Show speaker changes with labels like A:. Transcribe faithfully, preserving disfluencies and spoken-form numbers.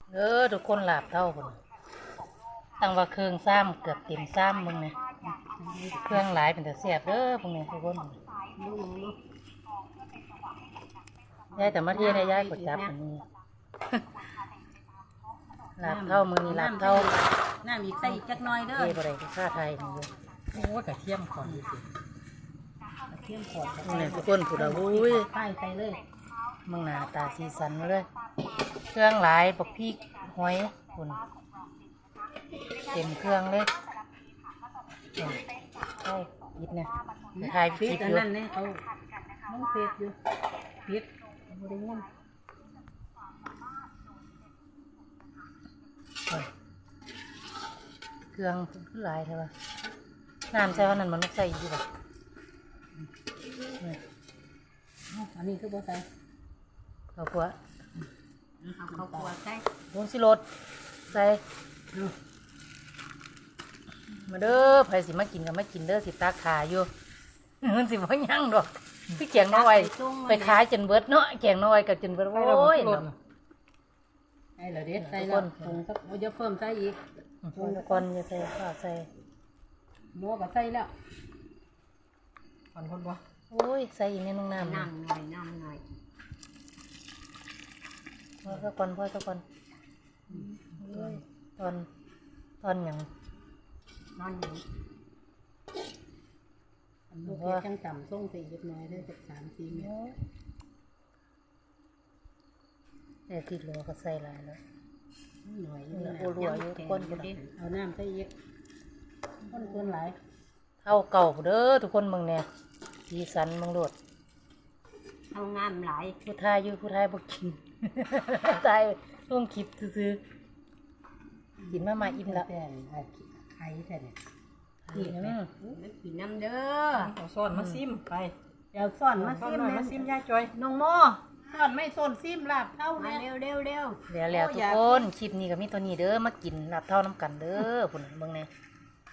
A: เออทุกคนหลาบเท่าคนตั้งว่าเครื่องซ้ำเกือบเต็มซ้ำมึงเนี่ยเครื่องหลายเป็นแต่เสียบเด้อพวกนี้ทุกคนยายแต่มาเที่ยวในยายกดจับอันนี้หลาบเท่ามึงนี่หลาบเท่า
B: น้ำอีกใส่อีกจักหน่อยเด้อ
A: เที่ยวอะไรก็ค่าไทยมึงเลย
B: โอ้กระเทียมก่อนดูสิกระเทียมก่อน
A: นี่เนี่ยทุกคนพูดเอาอุ้ย
B: ป้ายใส่เลย
A: มึงหน้าตาสีสันมาเลยเครื่องหลายบักพริกหอยคุณเต็มเครื่องเลยเนี่ยใช่ยิดนะถ่ายค
B: ปิ
A: ลิ
B: ด
A: ป
B: อั
A: อน ยู่
B: นั้นเนี่ยเอาน้องเฟซอยู่ปิดบริเวณ
A: เครื่องขึ้นหลายใช่ปะน้ำใส่ว่านั้นมันไม่ใส่อยู่ปะ
B: อันนี้คือบ่ใส่
A: เอาขวด
B: เอาข้าวคั่วใส่
A: ผงสิรสใส่มาเด้อไผสิมากินก็มากินเด้อสิตาขาอยู่มันสิบ่ยั่งดอกพี่แกงน้อยไปขายจนเบิดเนาะแกงน้อยกับจนเบิดโอ้ย
B: ไอ้เหล่าเด็ดใส่แล้วผงสักเยอะเพิ่มใส่อีก
A: ผงก่อนจะใส่ข้าวใส่
B: หม้อก็ใส่แล้วก่อนคนบ่
A: โอ้ยใส่อีกนิดนึงน้ำ
B: น้ำหน่อยน้ำหน่อย
A: พอสักก่อนพอสักก่อนตอนตอนหยัง
B: นอนอยู่ลูกจังจำส่งใส่เล็กน้อยได้จากสามสี่เมตร
A: แต่ติดเหลือก็ใส่หลายแล้ว
B: หน่อย
A: โอ้รัวอยู่ก้นกูดิ
B: เอาน้ำใส่เยอะก้นคนหลาย
A: เท่าเก่าเด้อทุกคนมึงเนี่ยสีสันมึงโลด
B: เอางามหลาย
A: ผู้ทายอยู่ผู้ทายบอกกิน ตายลงคลิปซื้อๆกินมามาอิ่มละ
B: แต่ไข่แต่เนี่ย
A: นี่
B: นี่มันกินน้ำเด้อ
C: เอาซ่อนมาซิมไป
B: เดี๋ยวซ่อนมา
C: ซ่อน
B: ซิม
C: หน่อยมาซิมยายจอย
B: น้องโมซ่อนไม่ซ่อนซิมลาบเท่ามาเร็วเร็วเร็ว
A: แล้วแล้วทุกคนคลิปนี้ก็มีตัวนี้เด้อมากินลาบเท่าน้ำกันเด้อพุ่นเบิ่งแน่